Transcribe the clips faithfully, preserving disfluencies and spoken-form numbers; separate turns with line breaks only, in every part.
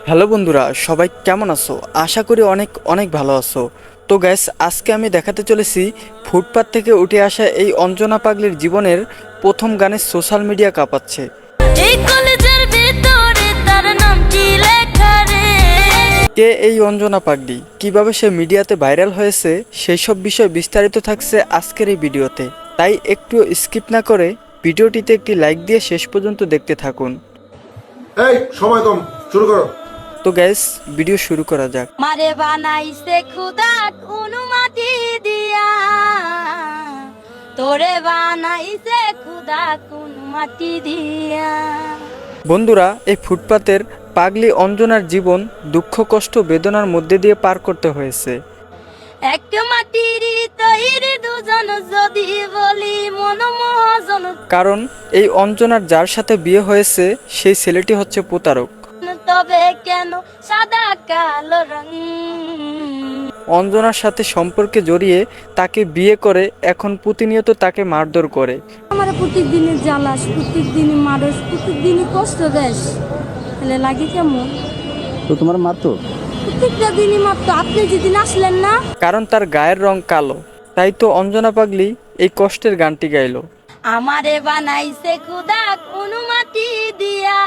Hello বন্ধুরা, সবাই কেমন আছো? আশা করি অনেক অনেক ভালো আছো। তো গ্যাস, আজকে আমি দেখাতে চলেছি ফুটপাত থেকে উঠে আসা এই অঞ্জনা পাগলির জীবনের প্রথম গানে সোশ্যাল মিডিয়া কাঁপাচ্ছে।
এই কলেজের ভিতরে তার নামটি লেখা রে।
কে এই অঞ্জনা পাগলি, কিভাবে সে মিডিয়াতে ভাইরাল হয়েছে, সেই সব বিষয় বিস্তারিত থাকছে আজকের এই ভিডিওতে। তাই একটু স্কিপ না করে ভিডিওটিতে একটি লাইক দিয়ে শেষ পর্যন্ত দেখতে থাকুন।
এই সময় কম, শুরু করো।
তো গ্যাস, ভিডিও শুরু করা যাক।
মারে বানাইছে খুদা অনুমতি দিয়া, তোরে বানাইছে খুদা অনুমতি দিয়া।
বন্ধুরা, এই ফুটপাতের পাগলি অঞ্জনার জীবন দুঃখ কষ্ট বেদনার মধ্যে দিয়ে পার করতে হয়েছে।
এক মাটির তৈরি দুজন যদি বলি মন মহাজন,
কারণ এই অঞ্জনার যার সাথে বিয়ে হয়েছে সেই ছেলেটি হচ্ছে প্রতারক।
তবে কেন সাদা কালো রং।
অঞ্জনার সাথে সম্পর্কে জড়িয়ে তাকে বিয়ে করে এখন প্রতিনিয়ত তাকে মারধর করে।
আমার প্রত্যেকদিনই জ্বালাস, প্রত্যেকদিনই মারস, প্রত্যেকদিনই কষ্ট দেশ, তাহলে লাগে কেমন?
তো তোমার মারতো?
প্রত্যেকটা দিনই মারতো। আপনি যেদিন আসলেন না,
কারণ তার গায়ের রং কালো, তাই তো অঞ্জনা পাগলি এই কষ্টের গানটি গাইলো।
আমারে বানাইছে খুদা অনুমতি দিয়া,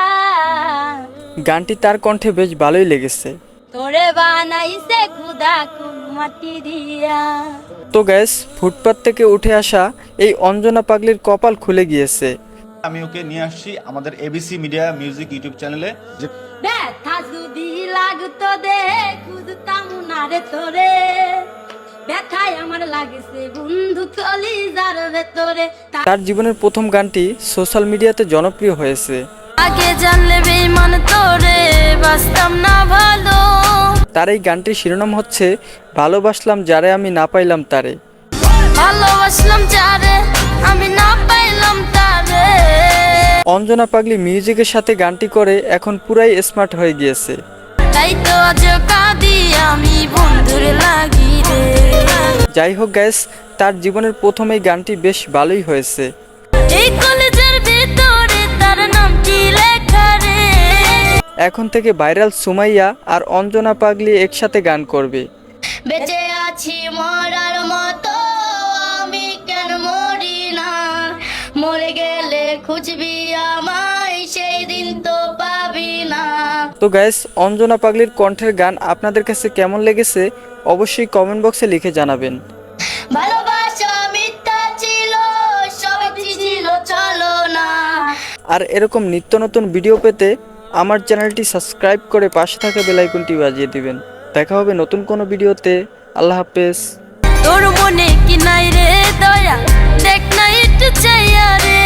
গানটি তার কণ্ঠে বেশ ভালোই লেগেছে।
তোরে বানাইছে খুদা অনুমতি দিয়া।
তো গ্যাস, ফুটপাত থেকে উঠে আসা এই অঞ্জনা পাগলির কপাল খুলে গিয়েছে।
আমি ওকে নিয়ে আসছি আমাদের এবিসি মিডিয়া মিউজিক ইউটিউব চ্যানেলে। যে
ব্যথা যদি লাগতো দে খুঁজতাম না রে তোরে, ব্যথায় আমার লাগছে বন্ধু কলিজার ভেতরে।
তার জীবনের প্রথম গানটি সোশ্যাল মিডিয়াতে জনপ্রিয় হয়েছে।
আগে জানলে বেঈমান তোরে বাসতাম না ভালো।
তার এই গানটির শিরোনাম হচ্ছে ভালোবাসলাম যারে আমি না পাইলাম তারে।
ভালোবাসলাম যারে আমি না পাইলাম তারে।
অঞ্জনা পাগলি মিউজিকের সাথে গানটি করে এখন পুরাই স্মার্ট হয়ে গিয়েছে।
তাই তো আজ কাঁদি আমি বন্ধুর লাগি রে।
যাই হোক গ্যাস, তার জীবনের প্রথম এই গানটি বেশ ভালোই হয়েছে।
এই কলেজের ভিতরে তার নামটি লেখা রে।
এখন থেকে ভাইরাল সুমাইয়া আর অঞ্জনা পাগলি একসাথে গান করবে।
বেঁচে আছি মরার মতো, আমি কেন মরি না। মরে গেলে খুঁজবি আমায়, সেই দিন তো পাবি না।
তো গ্যাস, অঞ্জনা পাগলির কণ্ঠের গান আপনাদের কাছে কেমন লেগেছে অবশ্যই কমেন্ট বক্সে লিখে জানাবেন।
ভালোবাসা মিথ্যা ছিল, সব ছিল চলো না।
আর এরকম নিত্য নতুন ভিডিও পেতে আমার চ্যানেলটি সাবস্ক্রাইব করে পাশে থাকা বেল আইকনটি বাজিয়ে দিবেন। দেখা হবে নতুন কোনো ভিডিওতে। আল্লাহ হাফেজ।
তোর মনে কি নাই রে দয়া, দেখ না একটু চাইয়া রে।